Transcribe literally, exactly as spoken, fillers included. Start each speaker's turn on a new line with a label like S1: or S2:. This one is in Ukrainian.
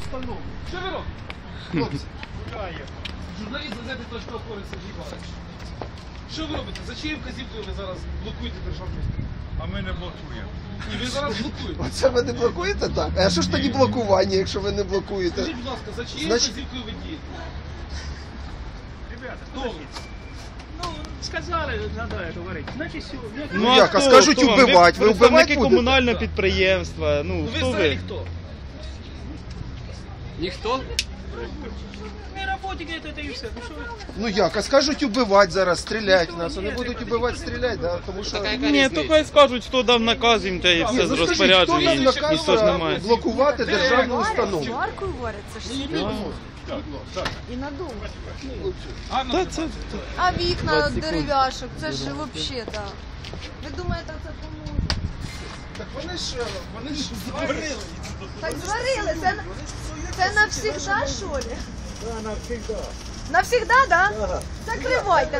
S1: остальному.
S2: Що ви робите? Хлопці. Журналіст газети «Точка опори» Сергій Валерійович. Що ви робите? За чиєю вказівкою ви зараз блокуєте державний стрій?
S3: А ми не блокуємо.
S2: І ви зараз блокуєте.
S4: Оце ви не блокуєте так? А що ж тоді блокування, якщо ви не блокуєте?
S2: Скажіть, будь ласка, за чиєю
S4: Значить-
S2: вказівкою ви дієте?
S1: Ребята,
S2: Хто ви?
S1: ну, сказали, надо говорить. Значить, все.
S4: Ну, як, а скажуть
S5: хто?
S4: убивать, ви
S5: Ви
S4: убивать
S5: представники
S4: будете?
S5: комунального підприємства, ну,
S2: Ну ви
S5: хто
S2: взагалі
S5: ви?
S2: хто?
S6: Ніхто?
S1: Не работайте, это, это и все. Ну, что вы?
S4: Ну як, а скажуть убивать зараз, стрілять нас, вони будуть убивати, стріляти, да? Тому що...
S6: Така яка
S5: Ні,
S6: різниця?
S5: то хай скажуть, хто дав наказ їм, те і
S4: Ні,
S5: все
S4: ну
S5: з
S4: скажіть, хто
S5: розпорядження,
S4: нам наказ
S5: ніхто ж немає.
S4: блокувати державну установу?
S7: Жаркою варять, це ж сильно. І надовго.
S5: Та це,
S7: А вікна дерев'яшок, це ж взагалі, так. Ви думаєте, це поможе?
S4: Так вони ж, вони ж зварили.
S7: Так зварили, це, це навсігда, що ли? Так, навсігда. Навсігда, так? Да? Закривайте.